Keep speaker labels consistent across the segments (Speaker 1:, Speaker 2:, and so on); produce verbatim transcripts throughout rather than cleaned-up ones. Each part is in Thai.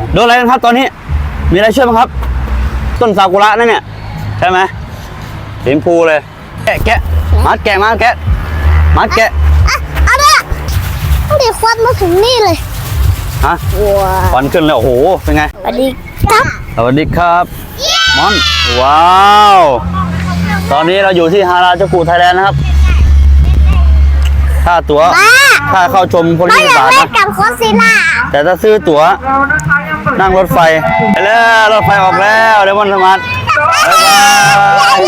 Speaker 1: โดนอะไรกันครับตอนนี้มีอะไรช่วยบ้างครับต้นซากุระนั่นเนี่ยใช่ไหมสีชมพูเลยแกะแกะมัดแกะมาแกะมัดแกะ
Speaker 2: เอาเนี่ยดิควันมาถึงนี่เลย
Speaker 1: ฮะควันขึ้นเลยโอ้โหเป็นไง
Speaker 2: สวัสดีครับ
Speaker 1: สวัสดีครับมอนว้าวตอนนี้เราอยู่ที่ฮาราจูกุไทยแลนด์นะครับค่าตั๋วค่าเข้าชมคนที่สามนะ
Speaker 2: กับโคซิล่า
Speaker 1: แต่ถ้าซื้อตั๋วนั่งรถไฟไปแล้วรถไฟออกแล้วเดมอนสมาร์ทบ๊ายบาย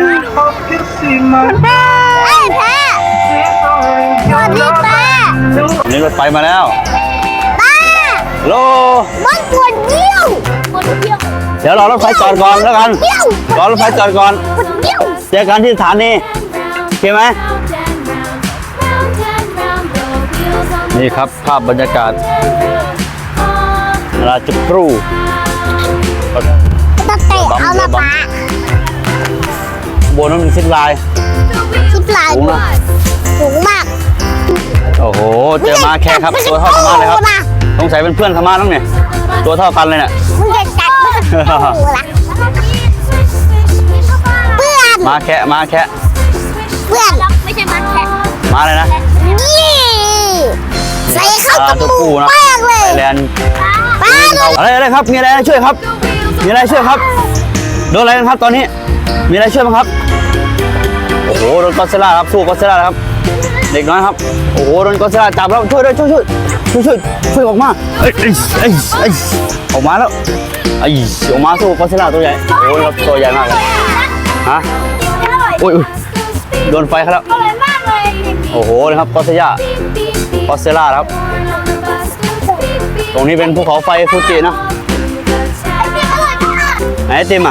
Speaker 2: ไอ้แพ้สวัสดีป้า
Speaker 1: นี่รถไฟมาแล้ว
Speaker 2: ป้า
Speaker 1: โล
Speaker 2: มันปวดเยี่ยว
Speaker 1: เดี๋ยวรอรถไฟจอดก่อนแล้วกันรอรถไฟจอดก่อนเจอกันที่สถานีโอเคไหมนี่ครับภาพบรรยากาศราชกรู
Speaker 2: ตะเตะเอาละป้า
Speaker 1: บนนั้นเป็นซิปไลน์
Speaker 2: ซิปไลน์สูงมาก
Speaker 1: โอ้โหเจอมาแค่ครับตัวเท่าธรรมะเลยครับสงสัยเป็นเพื่อนธรรมะต้องเนี่ยตัวเท่ากันเลยเนี่ย
Speaker 2: มึงจะกัดมึงจะหูละเพื่อน
Speaker 1: มาแค่มาแค่
Speaker 2: เพื่อนไม่ใช่มาแค่
Speaker 1: มาเลยนะ
Speaker 2: นี่ใส่เข้าจมูกมากเลย
Speaker 1: แลนอะไรอะไรครับมีอะไรช่วยครับมีอะไรช่วยครับโดนอะไรกันครับตอนนี้มีอะไรช่วยบ้างครับโอ้โหโดนกอดเซล่าครับสู้กอดเซล่าครับเด็กน้อยครับโอ้โหโดนกอดเซล่าจับแล้วช่วยด้วยช่วยช่วยช่วยช่วยช่วยออกมาเอ้ยเอ้ยเอ้ยเอ้ยออกมาแล้วไอ้ออกมาสู้กอดเซล่าตัวใหญ่โอ้โหครับตัวใหญ่มากเลยฮะโอ้ยโดนไฟเขาแล้วโอ้โหนะครับกอดเซล่ากอดเซล่าครับตรงนี้เป็นภูเขาไฟฟูจินะไหนติมอ่ะ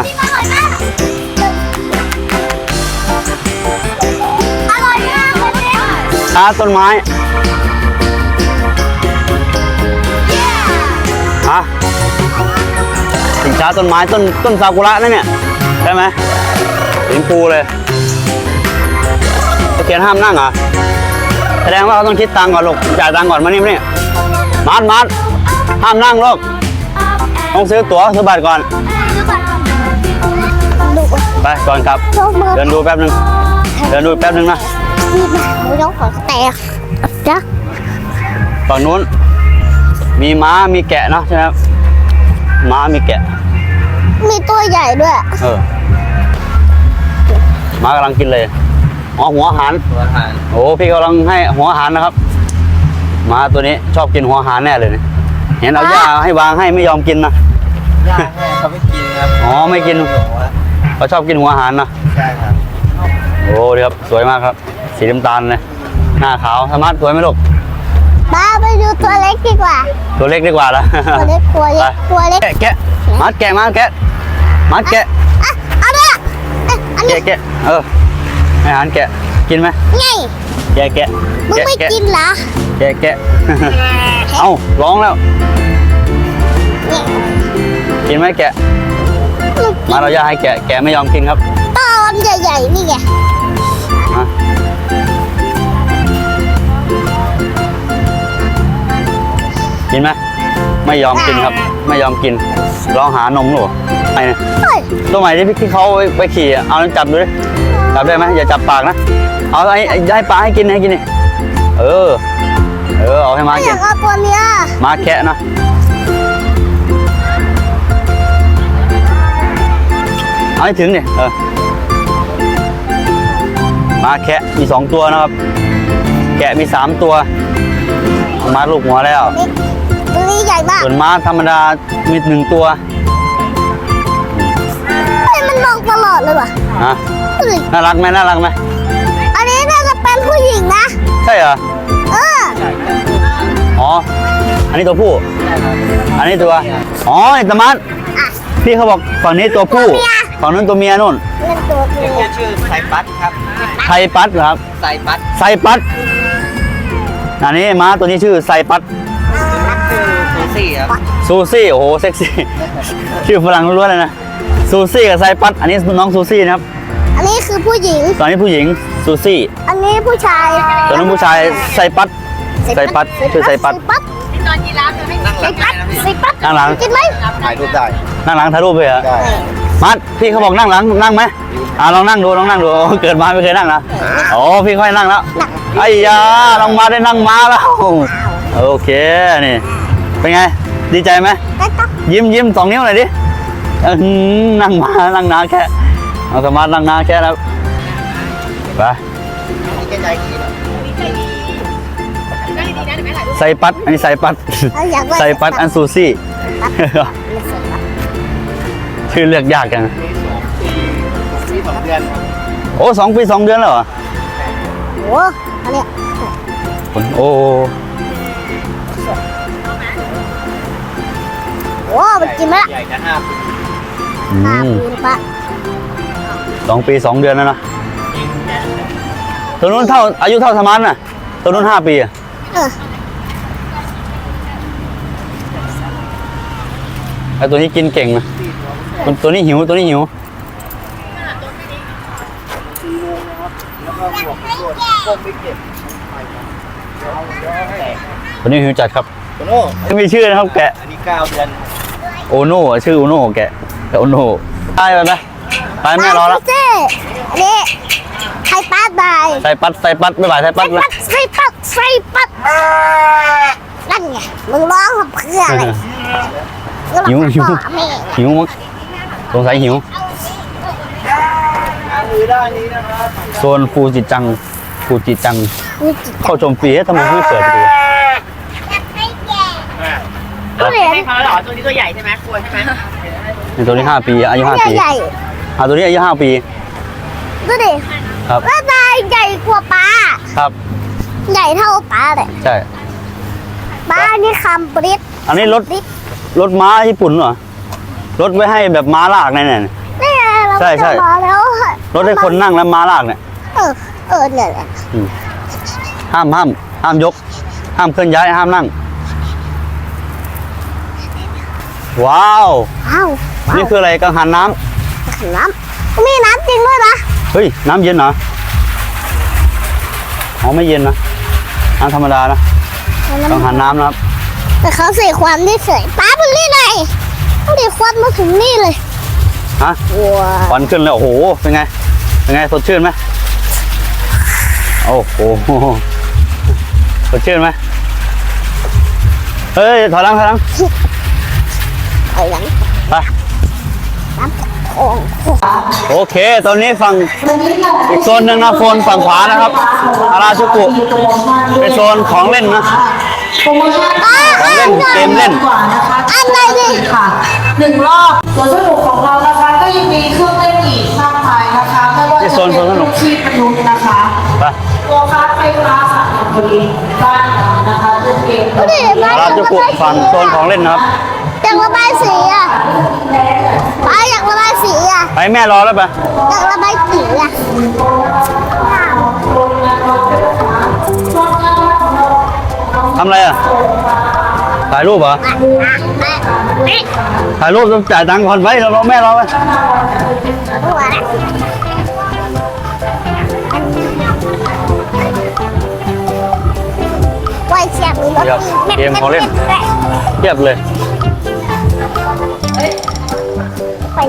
Speaker 1: ชาต้นไม้ฮะสินค้าต้นไม้ต้นต้นซากุระนั่นเนี่ยใช่ไหมสีชมพูเลยเขียนห้ามนั่งเหรอแสดงว่าเขาต้องคิดตังค์ก่อนลูกจ่ายตังค์ก่อนมานี่มานี่มัดมัดห้ามนั่งลูกต้องซื้อตั๋วซื้อบัตรก่อนไปก่อนครับเดินดูแป๊บนึงเดินดูแป๊บนึงนะ
Speaker 2: ไม่ต้องขอแตกจ้ะ
Speaker 1: ฝั่งนู้นมีม้ามีแกะเนาะใช่ไหมม้ามีแกะ
Speaker 2: มีตัวใหญ่ด้วย
Speaker 1: เออม้ากำลังกินเลยอ๋อหัวอาหารโอ้พี่กำลังให้หัวอาหารนะครับม้าตัวนี้ชอบกินหัวอาหารแน่เลยเห็นเอาหญ้าให้วางให้ไม่ยอมกินนะ
Speaker 3: หญ้าเขาไม่กินครับ
Speaker 1: อ๋อไม่กินเขาชอบกินหัวอาหารนะ
Speaker 3: ใช่ครับ
Speaker 1: โอ้ดีครับสวยมากครับสีน้ำตาลเลยหน้าขาวสมาร์ทสวยไหมลูก
Speaker 2: ป้าไปดูตัวเล็กดีกว่า
Speaker 1: ตัวเล็กดีกว่าละ
Speaker 2: ตัวเล็กตัวเล็กตัวเล็ก
Speaker 1: แกะมัดแกะมาแกะมัดแกะ
Speaker 2: อ่ะเอาเนี่ย
Speaker 1: แกะแกะเออให้อาหารแกะกินไหม
Speaker 2: ไง
Speaker 1: แกะแกะ
Speaker 2: มึงไม่กินเหรอ
Speaker 1: แกะแกะเอ้าร้องแล้วกินไหมแกะมาเราจะให้แกะแกะไม่ยอมกินครับ
Speaker 2: ตอนใหญ่ๆนี่ไง
Speaker 1: กินไหมไม่ยอมกินครับไม่ยอมกินร้องหานมหรอไอ้เนี่ยตัวใหม่ที่พี่เขาไปขี่เอาจับดูดิจับได้ไหมอย่าจับปากนะเอาไอ้ให้ปลาให้กินให้กินนี่เออเออเอาให้มากิน
Speaker 2: เอาตัวเนี้ย
Speaker 1: มาแคะนะเอาให้ถึงเนี่ยเออมาแคะมีสองตัวนะครับแกะมีสามตัวมาลูกหัวแล้ว
Speaker 2: ตัวนี้ใหญ่มาก
Speaker 1: ส่วนม้าธรรมดามีหนึ่งตัว
Speaker 2: มันมองตลอดเลยว่ะ
Speaker 1: ฮะน่ารักไหมน่ารักไหม
Speaker 2: อันนี้น่าจะเป็นผู้หญิงนะ
Speaker 1: ใช่เหรอ
Speaker 2: เออ
Speaker 1: อ๋ออันนี้ตัวผู้อันนี้ตัวอ๋อไอ้ตะมันพี่เขาบอกฝั่งนี้ตัวผู้ฝั่งนั้นตัวเมียนู่น
Speaker 3: ชื่อไซปัสครับ
Speaker 1: ไซปัสครับ
Speaker 3: ไซปัส
Speaker 1: ไซปัสอันนี้ม้าตัวนี้ชื่อไซปัส
Speaker 3: ซูซี่ครับ
Speaker 1: ซูซี่โอ้โหเซ็กซี่ชื่อฝรั่งล้วนๆเลยนะซูซี่กับไซปัสอันนี้น้องซูซี่นะครับ
Speaker 2: อันนี้คือผู้หญิง
Speaker 1: ตอนนี้ผู้หญิงซูซี่
Speaker 2: อันนี้ผู้ชาย
Speaker 1: ตอนนี้ผู้ชายไซปัสไซปัสชื่อไซปัส
Speaker 3: นั่งหลังได้นะ
Speaker 2: ใส่ปั๊บ
Speaker 1: นั่งหลัง
Speaker 2: กินไหม
Speaker 3: ถ่ายรูปได้
Speaker 1: นั่งหลังถ่ายรูปไปเหรอ
Speaker 3: ได้
Speaker 1: มัดพี่เขาบอกนั่งหลังนั่งไหมอ่าลองนั่งดูลองนั่งดูเกิดมาไม่เคยนั่งนะโอ้พี่ค่อยนั่งแล้วไอ้ยาลองมาได้นั่งมาแล้วโอเคนี่เป็นไงดีใจไหม
Speaker 2: ได้ปั๊บ
Speaker 1: ยิ้มยิ้มสองนิ้วหน่อยดิอื้อหือนั่งมานั่งนาแค่เอาสมาร์ทนั่งนาแค่แล้วไป
Speaker 3: นี่แกใจดีนะ
Speaker 1: ใส่ปัดอันนี้ใส่ปัด
Speaker 2: เราอยากได้
Speaker 1: ใส่ปัดอันซูซี่
Speaker 2: ไม่ใส่ปั๊บ
Speaker 1: ชื่อเลือกยากจัง
Speaker 3: ปีสองเดือนครับ
Speaker 1: โอ้สองปีสองเดือนแล้วเหรอ
Speaker 2: โอ้อันเนี้ย
Speaker 1: โอ้
Speaker 2: โอ้มันกินไหมล่ะ
Speaker 3: ใหญ่นะห้าปี
Speaker 1: อื
Speaker 2: ห้าม ปีปะ
Speaker 1: สองปีสองเดือนแล้วนะตัวนู้นเท่าอายุเท่าสมาร์ทน่ะตัวนู้นห้าปีอะ
Speaker 2: เออ
Speaker 1: ไอตัวนี้กินเก่งนะตัวตัวนี้หิวตัวนี้หิว
Speaker 3: แล้วก็บวกบวกก้มไม่เก็บแต่
Speaker 1: ตัวนี้หิวจัดครับ
Speaker 3: โตโน่
Speaker 1: ไม่มีชื่อนะครับแกะ
Speaker 3: อันนี้เก้าเดือน
Speaker 1: โอโน่ชื่อโอโน่แกะแกะโอโน่ไปไปไปไปแม่รอแล้ว
Speaker 2: เจ้อันนี้ไข่ปั๊บได้
Speaker 1: ใส่ปัดใส่ปัดไม่บ่ายใส่ปั
Speaker 2: ใส่
Speaker 1: ดเลย
Speaker 2: ปั๊บใส่ปั๊บใส่ปั๊บนั่นไงมึงร้องเพื่ออะไร
Speaker 1: หิวหิว
Speaker 2: แม่
Speaker 1: หิวมั้งสงสัยหิว
Speaker 3: ล้างมือด้านนี้นะครับ
Speaker 1: โซนฟูจิจังฟูจิจัง
Speaker 2: นี่จิต
Speaker 1: เข้าชมฟรีเอ๊ะทำไมไม่เปิดประตู
Speaker 2: ก็เห็น
Speaker 4: ให้เขาแล้วเหรอตัวนี้ตัวใหญ่ใช่ไหมกลัวใช่ไหม
Speaker 1: นี่ตัวนี้ห้าปีอายุห้าปี
Speaker 2: ใหญ่
Speaker 1: อ่าตัวนี้อายุห้าปี
Speaker 2: ดูดิ
Speaker 1: ครับ
Speaker 2: ว่าตายใหญ่กว่าปลา
Speaker 1: ครับ
Speaker 2: ใหญ่เท่าปลาเลย
Speaker 1: ใช่
Speaker 2: ปลานี่คำปริ๊ด
Speaker 1: อันนี้รถ
Speaker 2: ปริ๊ด
Speaker 1: รถม้าญี่ปุ่นเหรอรถไว้ให้แบบม้าลากเนี่ยเนี่ย
Speaker 2: นี่ไงเรา
Speaker 1: ใช่ใช่
Speaker 2: จะมาแล้ว
Speaker 1: รถให้คนนั่งแล้วม้าลากเนี่ย
Speaker 2: เออเออเนี่ยแหละ
Speaker 1: อืมห้ามห้ามห้ามยก ห้ามเคลื่อนย้ายห้ามนั่ง ว้าว
Speaker 2: อ้าว
Speaker 1: นี่คืออะไรกังหันน้
Speaker 2: น้ำมีน้ำจริงด้วยนะ
Speaker 1: ำเฮ้ยน้ำเย็นเหรออ๋อไม่เย็นนะน้ำธรรมดานะกังหันน้ำนะครับ
Speaker 2: แต่เขาใส่ควันที่เฉยป้าเป็นนี่ไงเขาดิควันมาถึงนี่เลย
Speaker 1: ฮะ
Speaker 2: ว้า
Speaker 1: ควันขึ้นแล้วโอ้โหเป็นไงเป็นไงสดชื่นไหมโอ้โหสดชื่นไหมเฮ้ยถอยหลังถอยหลัง
Speaker 2: ไอ้หลัง
Speaker 1: ไป
Speaker 2: น้ำของ
Speaker 1: โอเค ตอนนี้ฝั่งอีกโซนหนึ่งนะโซนฝั่งขวานะครับอาราชุกุเป็นโซนของเล่นนะ
Speaker 5: โปรโมชั่น
Speaker 1: ของเล่นเกมเล่น
Speaker 5: กว่านะคะ
Speaker 2: อันไหนดิ
Speaker 5: ค่ะหนึ่งรอบสวนสนุกของเรานะคะก็ยังมีเครื่องเล่นอีกมากมายนะคะไม่ว่า
Speaker 1: ที่
Speaker 5: จะ
Speaker 1: โซน
Speaker 5: เป็น
Speaker 1: สวนสนุก
Speaker 5: ลูกชีพมนุษย์นะคะ
Speaker 1: ไป
Speaker 5: ตัวคาร์ดไฟฟ้าสามอย่างพอดีบ้านเรานะคะเล่นเกม
Speaker 2: ดูดิป้า
Speaker 1: อาราชุกุฝั่งโซนของเล่นนะครับ
Speaker 2: อยากระบายสีอ่ะป้าอยากระบายสีอ่ะ
Speaker 1: ไปแม่รอแล้วไป
Speaker 2: อยากระบายสีอ่ะ
Speaker 1: ทำอะไรอ่ะถ่ายรูปเหรอ
Speaker 2: นี่
Speaker 1: ถ่ายรูปต้องจ่ายตังค์ก่อนไปเรารอแม่รอไป
Speaker 2: ตัวนะไว้เชียร์มีรถ
Speaker 1: เกมของเล่นเทียบเลย
Speaker 2: ไป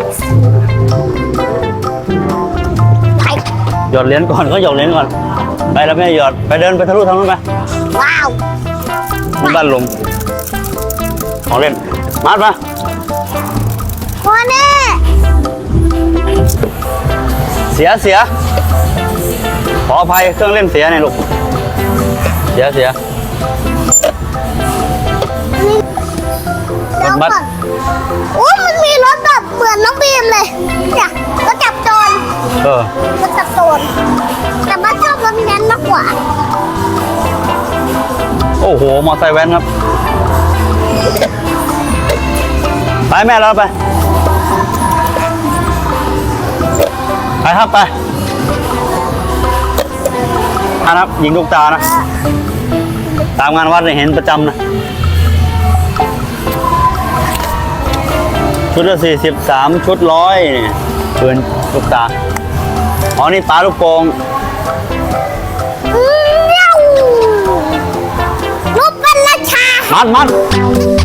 Speaker 2: ไป
Speaker 1: หยอดเหรียญก่อนก็หยอดเหรียญก่อนไปแล้วแม่หยอดไปเดินไปทะลุทางนู้นไป
Speaker 2: ว้าว
Speaker 1: นี่บ้านลมของเล่นมาดมา
Speaker 2: พ่อแน่
Speaker 1: เสียเสียขออภัยเครื่องเล่นเสียเนี่ยลูกเสียเสีย รถบัส
Speaker 2: โอ้ยมันมีรถแบบเหมือนน้องบีมเลยเนี่ยรถจับโจร
Speaker 1: เออ
Speaker 2: รถจับโจรแต่บ้านชอบรถแนั้นมากกว่า
Speaker 1: โอ้โหมอไซค์แว้นครับไปแม่เราไปไปครับไปท่านครับยิงลูกตานะ ตามงานวัดเนี่ยเห็นประจำนะ ชุดละสี่สิบสามชุดร้อยเนี่ยปืนลูกตา อ๋อ นี่ปลาลูกโป่ง
Speaker 2: เมียวรถเป็นราชา
Speaker 1: มัดมัด